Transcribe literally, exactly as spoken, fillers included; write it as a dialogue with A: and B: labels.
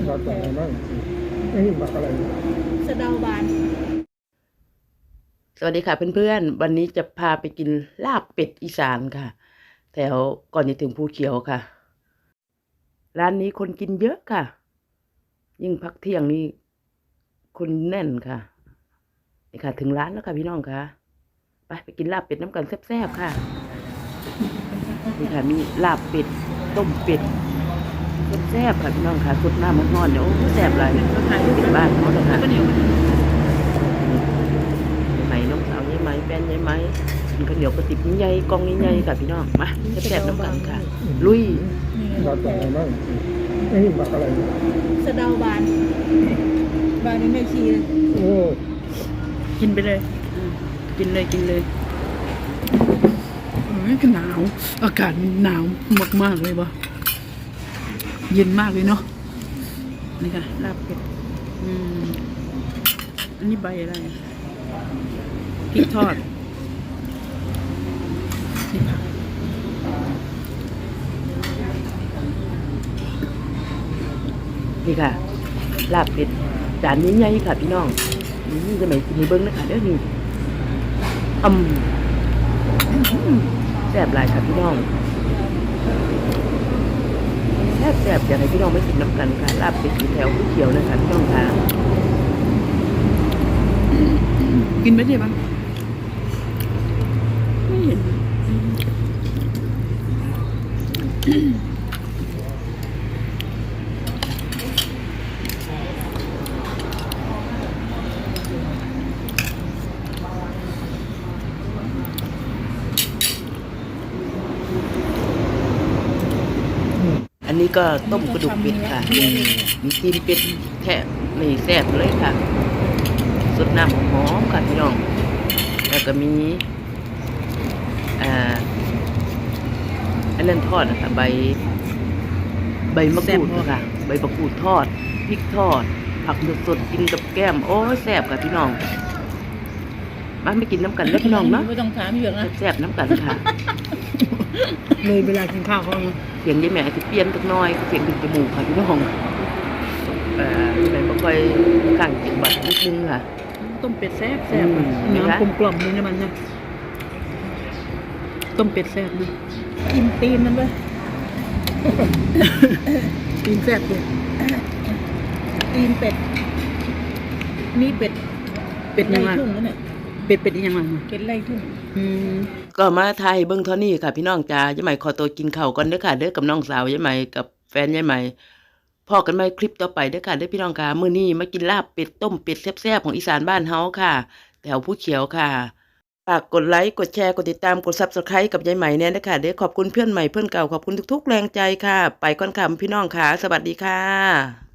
A: ผักอะไรบ้างไม่มีผักอะไร
B: สะเดาบาน
C: สวัสดีค่ะเพื่อนๆวันนี้จะพาไปกินลาบเป็ดอีสานค่ะแถวก่อนจะถึงภูเขียวค่ะร้านนี้คนกินเยอะค่ะยิ่งพักเที่ยงนี่คนแน่นค่ะนี่ค่ะถึงร้านแล้วค่ะพี่น้องค่ะไปไปกินลาบเป็ดน้ำกันแซ่บๆค่ะนี่ค่ะมีลาบเป็ดต้มเป็ดแซ่บๆค่ะพี่น้องค่ะสดน้ำมันร้อนเนี่ยโอ้แซ่บเลยเป็นบ้านเขาเลยค่ะไหมน้องสาวยายไหมแฟนยายไหมกินข้าวเหนียวกระติบใหญ่กองใหญ่ๆค่ะพี่น้องมาแซ่บๆน้ำกันค่ะลุย
A: ผักอะไรบ้างไม่มีผักอะไร
B: สะเดาบานบานนี้ไม่ชีเลย
A: โอ้
C: กินไปเลยกินเลยกินเลย
D: เอ้ยหนาวอากาศหนาวมากๆเลยว่ะเย็นมากเลยเนาะนี่ค่ะลาบเป็ดอืมอันนี้ใบอะไรพริกทอดนี่ค่ะ
C: นี่ค่ะลาบเป็ดจานนี้ใหญ่ค่ะพี่น้องนี่จะไม่กินในเบิ้งนะคะเด้อนี่อืมแซ่บหลายค่ะพี่น้องแซ่บแซ่บอยากให้พี่น้องไม่กินน้ำกันค่ะลาบเป็ดอยู่แถวภูเขียวนะคะพี่น้องค่ะ
D: กินไปดิบ้างไม่เห็น
C: อันนี้ก็ต้มกระดูกเป็ดค่ะมีตีนเป็ดแทะไม่แซ่บเลยค่ะสดน้ำหอมค่ะพี่น้องแล้วก็มีอ่าอันนั้นทอดนะคะใบใบมะกรูดค่ะใบมะกรูดทอดพริกทอดผักสดๆกินกับแก้มโอ้แซ่บค่ะพี่น้องมาไม่กินน้ำกันแล้วพี่น้องเนาะ
B: ไม่ต้องถามเยอะนะ
C: แซ่บน้ำกันค่ะ
D: เลยเวลากินข้าวเขาเนาะ
C: เสียงยายแม่จะเปลี่ยนสักน้อยเสียงดึงจมูกค่ะพี่น้องเอ่อแม่บ่ค่อยข้างจิงบัดนิดนึงค่ะ
D: ต้มเป็ดแซ่บแซ่บ
C: อืม
D: น้ำกลมกล่อมเลยนะมันนะต้มเป็ดแซ่บนะ
B: กินตีนมันด้วย
D: ตีนแซ่บเลย
B: ตีนเป็ดนี่เป็ด
D: เป็ดยังไง
B: ไล่ทุ่งนั่นแหละ
D: เป็ดเป็ดยังไง
B: เป็ดไล่ทุ่ง
D: อืม
C: ก็มาไทยเบิ่งเท่านี้ค่ะพี่น้องจ๋ายายใหม่ขอตัวกินข้าวก่อนเด้อค่ะเด้อกับน้องสาวยายใหม่กับแฟนยายใหม่พอกันใหม่คลิปต่อไปเด้อค่ะเด้อพี่น้องค่ะมื้อนี้มากินลาบเป็ดต้มเป็ดแซ่บๆของอีสานบ้านเฮาค่ะแถวภูเขียวค่ะฝากกดไลค์กดแชร์กดติดตามกด ซับสไครบ์ กับยายใหม่เนี่ยนะคะเด้อขอบคุณเพื่อนใหม่เพื่อนเก่าขอบคุณทุกๆแรงใจค่ะไปก่อนค่ะพี่น้องค่ะสวัสดีค่ะ